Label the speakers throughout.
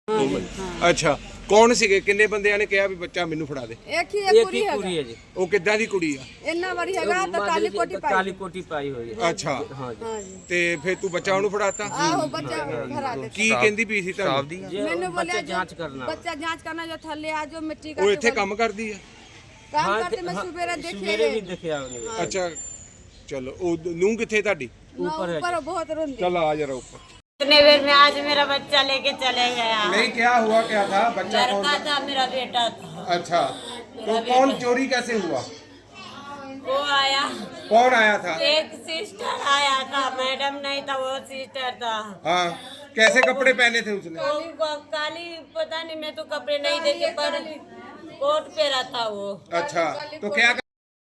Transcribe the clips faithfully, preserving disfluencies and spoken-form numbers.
Speaker 1: ਦੋ ਮਿੰਟ ਅੱਛਾ ਕੌਣ ਸੀਗੇ ਕਿੰਨੇ ਬੰਦਿਆਂ ਨੇ ਕਿਹਾ ਵੀ ਬੱਚਾ ਮੈਨੂੰ ਫੜਾ ਦੇ
Speaker 2: ਇੱਕ ਹੀ ਇੱਕ ਕੁੜੀ
Speaker 3: ਕੁੜੀ ਹੈ ਜੀ।
Speaker 1: ਉਹ ਕਿੱਦਾਂ ਦੀ ਕੁੜੀ ਆ
Speaker 2: ਇੰਨਾ ਵਾਰੀ ਹੈਗਾ ਤਾਂ ਕਾਲੀ ਕੋਟੀ ਪਾਈ
Speaker 3: ਕਾਲੀ ਕੋਟੀ ਪਾਈ ਹੋਈ ਹੈ।
Speaker 1: ਅੱਛਾ
Speaker 3: ਹਾਂ ਜੀ।
Speaker 2: ਹਾਂ ਜੀ
Speaker 1: ਤੇ ਫਿਰ ਤੂੰ ਬੱਚਾ ਉਹਨੂੰ ਫੜਾਤਾ
Speaker 2: ਆਹੋ ਬੱਚਾ ਭਰਾ ਦੇ
Speaker 1: ਕੀ ਕਹਿੰਦੀ ਪਈ ਸੀ ਤੁਹਾਨੂੰ
Speaker 2: ਮੈਨੂੰ ਬੋਲਿਆ
Speaker 3: ਬੱਚਾ
Speaker 2: ਜੋ
Speaker 3: ਜਾਂਚ ਕਰਨਾ
Speaker 2: ਬੱਚਾ ਜਾਂਚ करना जो थल्ले आ जो मिट्टी का
Speaker 1: ਉਹ ਇੱਥੇ ਕੰਮ ਕਰਦੀ ਆ
Speaker 2: काम
Speaker 3: हाँ,
Speaker 2: करते मैं
Speaker 3: हाँ,
Speaker 2: सुबेरे देखे
Speaker 3: सवेरे भी देखा उन्हें।
Speaker 1: ਅੱਛਾ ਚਲੋ ਉਹ ਨੂੰ ਕਿੱਥੇ ਤੁਹਾਡੀ
Speaker 2: ऊपर ऊपर बहुत रोंदी
Speaker 1: चल आ जरा ऊपर
Speaker 4: इतने देर में आज मेरा बच्चा लेके चले गया।
Speaker 1: नहीं क्या हुआ क्या था बच्चा कौन
Speaker 4: लड़का
Speaker 1: था?
Speaker 4: था मेरा बेटा था।
Speaker 1: अच्छा तो कौन चोरी कैसे हुआ
Speaker 4: वो आया
Speaker 1: कौन आया था
Speaker 4: एक सिस्टर आया था, मैडम नहीं था वो सिस्टर था।
Speaker 1: हाँ कैसे कपड़े पहने थे उसने
Speaker 4: वो क- काली पता नहीं, मैं तो कपड़े नहीं देखे पर कोट पहना था वो।
Speaker 1: अच्छा तो क्या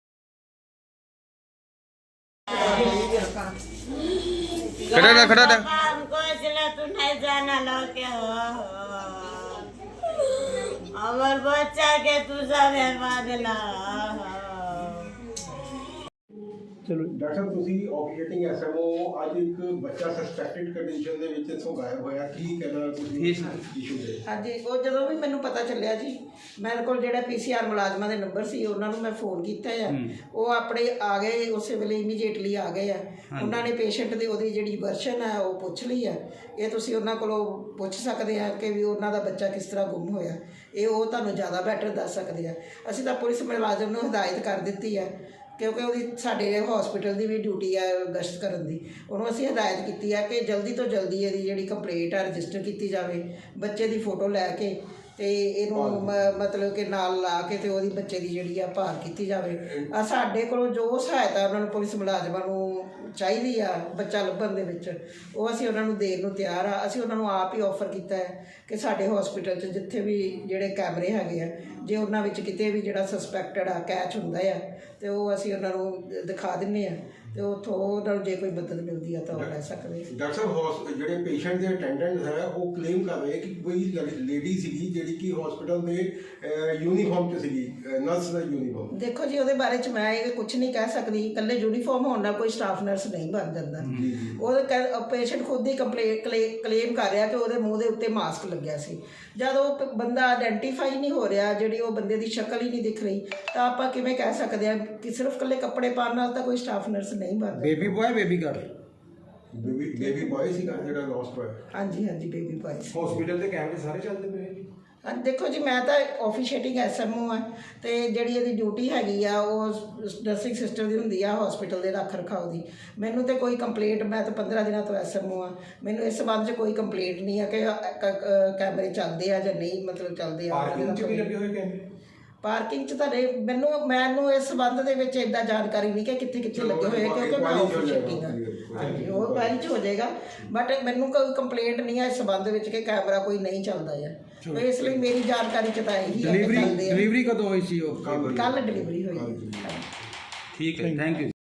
Speaker 1: खड़ा रह खड़ा रह
Speaker 4: पापा, हमको इसलिए तू नहीं जाना लो के हो हमार बच्चा के तू सब बर्बाद ला।
Speaker 5: ਡਾਕਟਰ ਸਾਹਿਬ ਤੁਸੀਂ ਆਪਰੇਟਿੰਗ ਐਸਐਮਓ ਅੱਜ ਇੱਕ ਬੱਚਾ ਸਸਪੈਕਟਡ ਕੰਡੀਸ਼ਨ ਦੇ ਵਿੱਚ ਇੱਥੋਂ ਗਾਇਬ ਹੋਇਆ ਕੀ ਕਹਿਣਾ ਤੁਸੀਂ ਇਸ਼ੂ ਦੇ
Speaker 6: ਹਾਂਜੀ ਉਹ ਜਦੋਂ ਵੀ ਮੈਨੂੰ ਪਤਾ ਚੱਲਿਆ ਜੀ ਮੇਰੇ ਕੋਲ ਜਿਹੜਾ ਪੀਸੀਆਰ ਮੁਲਾਜ਼ਮਾਂ ਦੇ ਨੰਬਰ ਸੀ ਉਹਨਾਂ ਨੂੰ ਮੈਂ ਫੋਨ ਕੀਤਾ ਆ ਉਹ ਆਪਣੇ ਆ ਗਏ ਉਸੇ ਵੇਲੇ ਇਮੀਡੀਏਟਲੀ ਆ ਗਏ ਆ ਉਹਨਾਂ ਨੇ ਪੇਸ਼ੈਂਟ ਦੀ ਉਹਦੀ ਜਿਹੜੀ ਵਰਸ਼ਨ ਹੈ ਉਹ ਪੁੱਛ ਲਈ ਆ ਇਹ ਤੁਸੀਂ ਉਹਨਾਂ ਕੋਲੋਂ ਪੁੱਛ ਸਕਦੇ ਆ ਕਿ ਵੀ ਉਹਨਾਂ ਦਾ ਬੱਚਾ ਕਿਸ ਤਰ੍ਹਾਂ ਗੁੰਮ ਹੋਇਆ ਇਹ ਉਹ ਤੁਹਾਨੂੰ ਜ਼ਿਆਦਾ ਬੈਟਰ ਦੱਸ ਸਕਦੇ ਆ ਅਸੀਂ ਤਾਂ ਪੁਲਿਸ ਮੁਲਾਜ਼ਮ ਨੂੰ ਹਦਾਇਤ ਕਰ ਦਿੱਤੀ ਆ ਕਿਉਂਕਿ ਉਹਦੀ ਸਾਡੇ ਹਸਪੀਟਲ ਦੀ ਵੀ ਡਿਊਟੀ ਆ ਗਸ਼ਤ ਕਰਨ ਦੀ ਉਹਨੂੰ ਅਸੀਂ ਹਦਾਇਤ ਕੀਤੀ ਆ ਕਿ ਜਲਦੀ ਤੋਂ ਜਲਦੀ ਇਹਦੀ ਜਿਹੜੀ ਕੰਪਲੇਂਟ ਆ ਰਜਿਸਟਰ ਕੀਤੀ ਜਾਵੇ ਬੱਚੇ ਦੀ ਫੋਟੋ ਲੈ ਕੇ ਤੇ ਇਹਨੂੰ ਮ- ਮਤਲਬ ਕਿ ਨਾਲ ਲਾ ਕੇ ਤੇ ਉਹਦੀ ਬੱਚੇ ਦੀ ਜਿਹੜੀ ਆ ਭਾਲ ਕੀਤੀ ਜਾਵੇ ਆ ਸਾਡੇ ਕੋਲੋਂ ਜੋ ਸਹਾਇਤਾ ਉਹਨਾਂ ਨੂੰ ਪੁਲਿਸ ਮੁਲਾਜ਼ਮਾਂ ਨੂੰ ਚਾਹੀਦੀ ਆ ਬੱਚਾ ਲੱਭਣ ਦੇ ਵਿੱਚ ਉਹ ਅਸੀਂ ਉਹਨਾਂ ਨੂੰ ਦੇਣ ਨੂੰ ਤਿਆਰ ਆ ਅਸੀਂ ਉਹਨਾਂ ਨੂੰ ਆਪ ਹੀ ਆਫਰ ਕੀਤਾ ਹੈ ਕਿ ਸਾਡੇ ਹਸਪੀਟਲ 'ਚ ਜਿੱਥੇ ਵੀ ਜਿਹੜੇ ਕੈਮਰੇ ਹੈਗੇ ਆ ਜੇ ਉਹਨਾਂ ਵਿੱਚ ਕਿਤੇ ਵੀ ਜਿਹੜਾ ਸਸਪੈਕਟਡ ਆ ਕੈਚ ਹੁੰਦਾ ਆ ਤੇ ਉਹ ਅਸੀਂ ਉਹਨਾਂ ਨੂੰ ਦਿਖਾ ਦਿੰਦੇ ਆ ਤੇ ਉੱਥੋਂ ਉਹਨਾਂ ਨੂੰ ਜੇ ਕੋਈ ਮਦਦ ਮਿਲਦੀ ਆ ਤਾਂ ਉਹ ਲੈ ਸਕਦੇ।
Speaker 5: ਡਾਕਟਰ ਸਾਹਿਬ ਹੌਸ- ਜਿਹੜੇ ਪੇਸ਼ੈਂਟ ਦੇ ਅਟੈਂਡੈਂਟ ਹੈ ਉਹ ਕਲੇਮ ਕਰ ਰਹੇ ਕਿ ਕੋਈ ਲੇਡੀ ਸੀਗੀ ਜਿਹੜੀ ਕਿ ਹਸਪੀਟਲ ਦੇ ਯੂਨੀਫਾਰਮ 'ਚ ਸੀਗੀ ਨਰਸ ਦਾ ਯੂਨੀਫਾਰਮ।
Speaker 6: ਦੇਖੋ ਜੀ ਉਹਦੇ ਬਾਰੇ 'ਚ ਮੈਂ ਇਹ ਕੁਝ ਨਹੀਂ ਕਹਿ ਸਕਦੀ ਇਕੱਲੇ ਯੂਨੀਫਾਰਮ ਹੋਣ ਨਾਲ ਕੋਈ ਸਟਾਫ ਨਰਸ ਨਹੀਂ ਬਣ ਜਾਂਦਾ ਉਹ ਪੇਸ਼ੈਂਟ ਖੁਦ ਹੀ ਕੰਪਲੇਂਟ ਕਲੇਮ ਕਰ ਰਿਹਾ ਕਿ ਉਹਦੇ ਮੂੰਹ ਦੇ ਉੱਤੇ ਮਾਸਕ ਲੱਗਿਆ ਸੀ ਜਦ ਉਹ ਪ- ਬੰਦਾ ਆਇਡੈਂਟੀਫਾਈ ਨਹੀਂ ਹੋ ਰਿਹਾ ਜਿਹੜੀ ਉਹ ਬੰਦੇ ਦੀ ਸ਼ਕਲ ਹੀ ਨਹੀਂ ਦਿਖ ਰਹੀ ਤਾਂ ਆਪਾਂ ਕਿਵੇਂ ਕਹਿ ਸਕਦੇ ਹਾਂ ਕਿ ਸਿਰਫ ਇਕੱਲੇ ਕੱਪੜੇ ਪਾਉਣ ਨਾਲ ਤਾਂ ਕੋਈ ਸਟਾਫ ਨਰਸ ਨਹੀਂ ਬਣਦਾ।
Speaker 1: Baby boy baby girl
Speaker 5: baby baby boy ਸੀਗਾ ਜਿਹੜਾ ਲੋਸਟ ਹੋਇਆ।
Speaker 6: ਹਾਂਜੀ ਹਾਂਜੀ ਬੇਬੀ ਬॉय।
Speaker 1: हॉस्पिटल ਦੇ ਕੈਮਰੇ ਸਾਰੇ ਚੱਲਦੇ ਪਏ
Speaker 6: ਹਾਂ ਦੇਖੋ ਜੀ ਮੈਂ ਤਾਂ ਆਫੀਸ਼ੀਏਟਿੰਗ ਐਸਐਮਓ ਆ ਤੇ ਜਿਹੜੀ ਇਹਦੀ ਡਿਊਟੀ ਹੈਗੀ ਆ ਉਹ ਨਰਸਿੰਗ ਸਿਸਟਰ ਦੀ ਹੁੰਦੀ ਆ ਹਸਪੀਟਲ ਦੇ ਰੱਖ ਰਖਾਓ ਦੀ ਮੈਨੂੰ ਤੇ ਕੋਈ ਕੰਪਲੇਂਟ ਮੈਂ ਤਾਂ ਪੰਦਰਾਂ ਦਿਨਾਂ ਤੋਂ ਐਸਐਮਓ ਆ ਮੈਨੂੰ ਇਸ ਸੰਬੰਧ 'ਚ ਕੋਈ ਕੰਪਲੇਂਟ ਨਹੀਂ ਆ ਕਿ ਅ- ਕ- ਅ- ਕੈਮਰੇ ਚੱਲਦੇ ਆ ਜਾਂ ਨਹੀਂ ਮਤਲਬ ਚੱਲਦੇ ਆ
Speaker 1: ਪਾਰਕਿੰਗ 'ਚ ਵੀ ਲੱਗੇ ਹੋਏ ਕੈਮਰੇ
Speaker 6: ਪਾਰਕਿੰਗ 'ਚ ਤੁਹਾਡੇ ਮੈਨੂੰ ਮੈਨੂੰ ਇਸ ਸੰਬੰਧ ਦੇ ਵਿੱਚ ਇੰਨਾ ਜਾਣਕਾਰੀ ਨਹੀਂ ਕਿ ਕਿੱਥੇ ਕਿੱਥੇ ਲੱਗੇ ਹੋਏ ਆ ਕਿਉਂਕਿ ਮੈਂ ਆਫੀਸ਼ੀਏਟਿੰਗ ਆ ਹਾਂਜੀ ਉਹ ਬਾਅਦ 'ਚ ਹੋ ਜਾਏਗਾ ਬਟ ਮੈਨੂੰ ਕੋਈ ਕੰਪਲੇਂਟ ਨਹੀਂ ਆ ਇਸ ਸੰਬੰਧ ਵਿੱਚ ਕਿ ਕੈਮਰਾ ਕੋਈ ਨਹੀਂ ਚੱਲਦਾ ਆ ਤੇ ਇਸ ਲਈ ਮੇਰੀ ਜਾਣਕਾਰੀ 'ਚ ਤਾਂ ਇਹੀ ਹੈ ਕਿ ਚੱਲਦੇ ਆ
Speaker 1: ਡਿਲੀਵਰੀ ਕਦੋਂ ਹੋਈ ਸੀ ਉਹ
Speaker 6: ਕੱਲ ਡਿਲੀਵਰੀ ਹੋਈ
Speaker 1: ਠੀਕ ਹੈ ਥੈਂਕ ਯੂ